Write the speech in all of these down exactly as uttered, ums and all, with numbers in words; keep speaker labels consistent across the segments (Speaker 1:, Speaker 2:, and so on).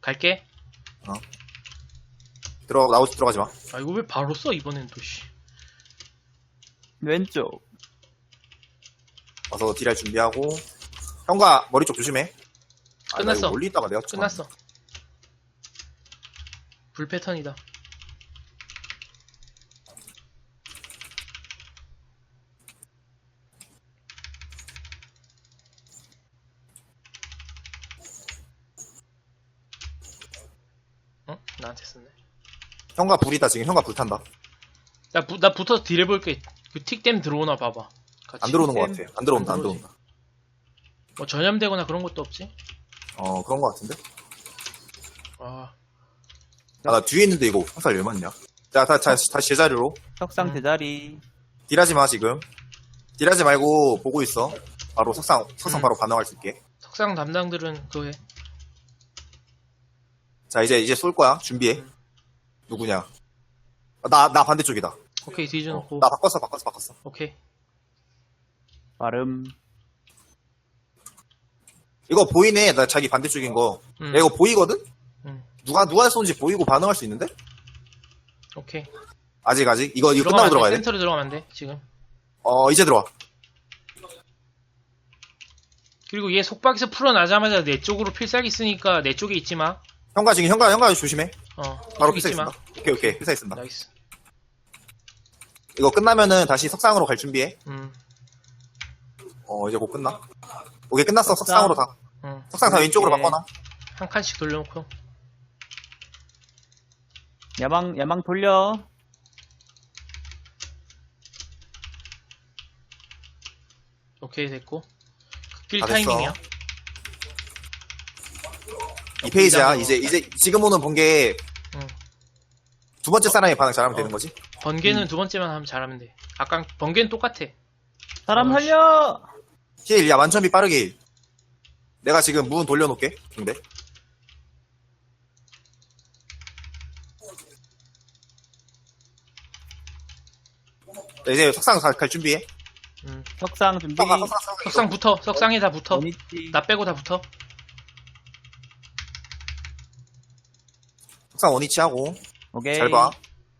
Speaker 1: 갈게.
Speaker 2: 들어 나오지 들어가지 마.
Speaker 1: 아 이거 왜 바로 써 이번엔 또 씨.
Speaker 3: 왼쪽.
Speaker 2: 와서 딜할 준비하고. 형과 머리 쪽 조심해. 아, 나
Speaker 1: 끝났어.
Speaker 2: 이거 멀리 있다가 내가
Speaker 1: 끝났어. 불 패턴이다. 어? 나한테 썼네.
Speaker 2: 형과 불이다 지금. 형과 불 탄다.
Speaker 1: 나, 부, 나 붙어서 딜 해볼게. 그 틱댐 들어오나 봐봐. 같이.
Speaker 2: 안 들어오는 것 같아. 안 들어온다.
Speaker 1: 안
Speaker 2: 안
Speaker 1: 들어오지.
Speaker 2: 들어온다.
Speaker 1: 뭐 전염되거나 그런 것도 없지?
Speaker 2: 어 그런 것 같은데.
Speaker 1: 아,
Speaker 2: 아, 나 뒤에 있는데 이거 화살 왜 맞냐? 자, 다, 다시, 다시 제자리로.
Speaker 3: 석상
Speaker 1: 음.
Speaker 3: 제자리.
Speaker 2: 딜하지 마, 지금. 딜하지 말고 보고 있어. 바로 석상, 석상
Speaker 1: 음.
Speaker 2: 바로 반응할 수 있게.
Speaker 1: 석상 담당들은 그거 해.
Speaker 2: 자, 이제, 이제 쏠 거야. 준비해.
Speaker 1: 음.
Speaker 2: 누구냐? 아, 나, 나 반대쪽이다.
Speaker 1: 오케이,
Speaker 2: 어,
Speaker 1: 뒤져놓고.
Speaker 2: 나 바꿨어, 바꿨어, 바꿨어.
Speaker 1: 오케이.
Speaker 3: 발음.
Speaker 2: 이거 보이네. 나 자기 반대쪽인 거.
Speaker 1: 음.
Speaker 2: 야, 이거 보이거든?
Speaker 1: 음.
Speaker 2: 누가, 누가 쏜지 보이고 반응할 수 있는데?
Speaker 1: 오케이.
Speaker 2: 아직, 아직. 이거, 이거
Speaker 1: 들어가면
Speaker 2: 끝나고
Speaker 1: 안 돼.
Speaker 2: 들어가야 돼.
Speaker 1: 센터로 들어가면 안 돼, 지금.
Speaker 2: 어, 이제 들어와.
Speaker 1: 그리고 얘 속박에서 풀어나자마자 내 쪽으로 필살기 쓰니까 내 쪽에 있지 마.
Speaker 2: 형가 지금, 형가, 형가 조심해.
Speaker 1: 어.
Speaker 2: 바로
Speaker 1: 쪽 있지
Speaker 2: 필살기
Speaker 1: 마.
Speaker 2: 쓴다. 오케이, 오케이. 필살기 쓴다.
Speaker 1: 나이스.
Speaker 2: 이거 끝나면은 다시 석상으로 갈 준비해.
Speaker 1: 음.
Speaker 2: 어, 이제 곧 끝나. 오케이, 끝났어. 석상으로 다.
Speaker 1: 음.
Speaker 2: 석상 다 왼쪽으로
Speaker 3: 오케이.
Speaker 2: 바꿔놔.
Speaker 1: 한 칸씩 돌려놓고.
Speaker 3: 야망, 야망 돌려.
Speaker 1: 오케이, 됐고. 극딜
Speaker 2: 다 됐어.
Speaker 1: 타이밍이야.
Speaker 2: 이 페이지야.
Speaker 1: 이장으로.
Speaker 2: 이제, 이제, 지금 오는 번개
Speaker 1: 응.
Speaker 2: 두 번째 사람이 반응 잘하면
Speaker 1: 어.
Speaker 2: 되는 거지?
Speaker 1: 번개는
Speaker 2: 음.
Speaker 1: 두 번째만 하면 잘하면 돼. 아까 번개는 똑같아.
Speaker 3: 사람
Speaker 1: 어,
Speaker 3: 살려!
Speaker 2: 힐, 야, 만천비 빠르게 힐. 내가 지금 문 돌려놓을게. 근데. 자, 이제 석상 갈, 갈 준비해.
Speaker 1: 음.
Speaker 3: 석상 준비.
Speaker 2: 석상, 석상, 석상.
Speaker 1: 석상 붙어. 석상에 다 붙어.
Speaker 3: 원위치.
Speaker 1: 나 빼고 다 붙어.
Speaker 2: 석상 원위치 하고.
Speaker 3: 오케이.
Speaker 2: 잘 봐.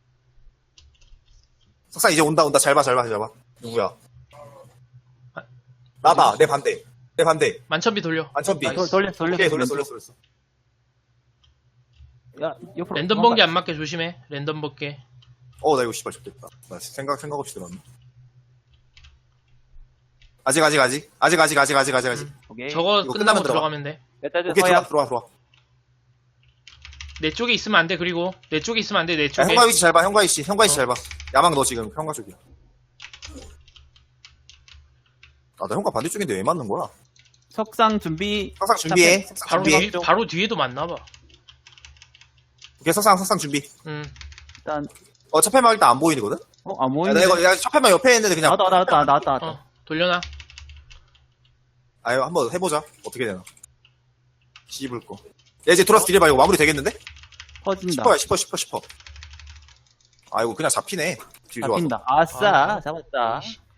Speaker 2: 석상 이제 온다, 온다. 잘 봐, 잘 봐, 잘 봐. 누구야?
Speaker 1: 아,
Speaker 2: 나다. 내 반대. 내 반대.
Speaker 1: 만천비 돌려.
Speaker 2: 만천비.
Speaker 1: 나이스.
Speaker 3: 돌, 돌렸어, 돌렸어.
Speaker 2: 오케이, 돌렸어, 돌렸어, 돌렸어.
Speaker 3: 야, 옆으로.
Speaker 1: 랜덤 번개 안 맞게 조심해. 랜덤 번개.
Speaker 2: 어, 나 이거 씨발 좋겠다. 나 생각, 생각 없이 들었네. 아직, 아직, 아직. 아직, 아직, 아직, 아직, 아직, 아직.
Speaker 1: 음.
Speaker 3: 오케이.
Speaker 1: 저거
Speaker 2: 이거
Speaker 1: 끝나고
Speaker 2: 끝나면 들어가.
Speaker 1: 들어가면 돼.
Speaker 3: 메타즈
Speaker 2: 오케이,
Speaker 3: 서야.
Speaker 2: 들어와, 들어와, 들어와.
Speaker 1: 내 쪽에 있으면 안 돼. 그리고 내 쪽에 있으면 안 돼. 내
Speaker 2: 야,
Speaker 1: 쪽에.
Speaker 2: 형과 위치 잘 봐, 형과 위치. 형과 위치
Speaker 1: 어.
Speaker 2: 잘 봐. 야망 너 지금 형과 쪽이야. 아, 나 형과 반대쪽인데 왜 맞는 거야?
Speaker 3: 석상 준비.
Speaker 2: 석상 준비해.
Speaker 3: 탑
Speaker 2: 석상
Speaker 1: 바로
Speaker 2: 준비해.
Speaker 1: 뒤, 바로 뒤에도 맞나 봐.
Speaker 2: 오케이, 석상, 석상 준비.
Speaker 1: 음.
Speaker 3: 일단,
Speaker 2: 어, 첫 패만 일단 안 보이거든?
Speaker 3: 어, 안
Speaker 2: 야,
Speaker 3: 보이는데.
Speaker 2: 나 이거, 야, 첫 패만 옆에 있는데 그냥.
Speaker 3: 나왔다, 나왔다, 나왔다, 나왔다.
Speaker 1: 어. 돌려놔.
Speaker 2: 아유, 한번 해보자. 어떻게 되나. 씹을 거. 야, 이제 들어와서 딜해봐. 이거 마무리 되겠는데?
Speaker 3: 퍼진다.
Speaker 2: 십 퍼야, 십 퍼, 십 퍼, 십 퍼. 아이고, 그냥 잡히네. 딜 좋아서.
Speaker 3: 잡힌다. 아싸,
Speaker 1: 아,
Speaker 3: 잡았다.
Speaker 1: 이씨.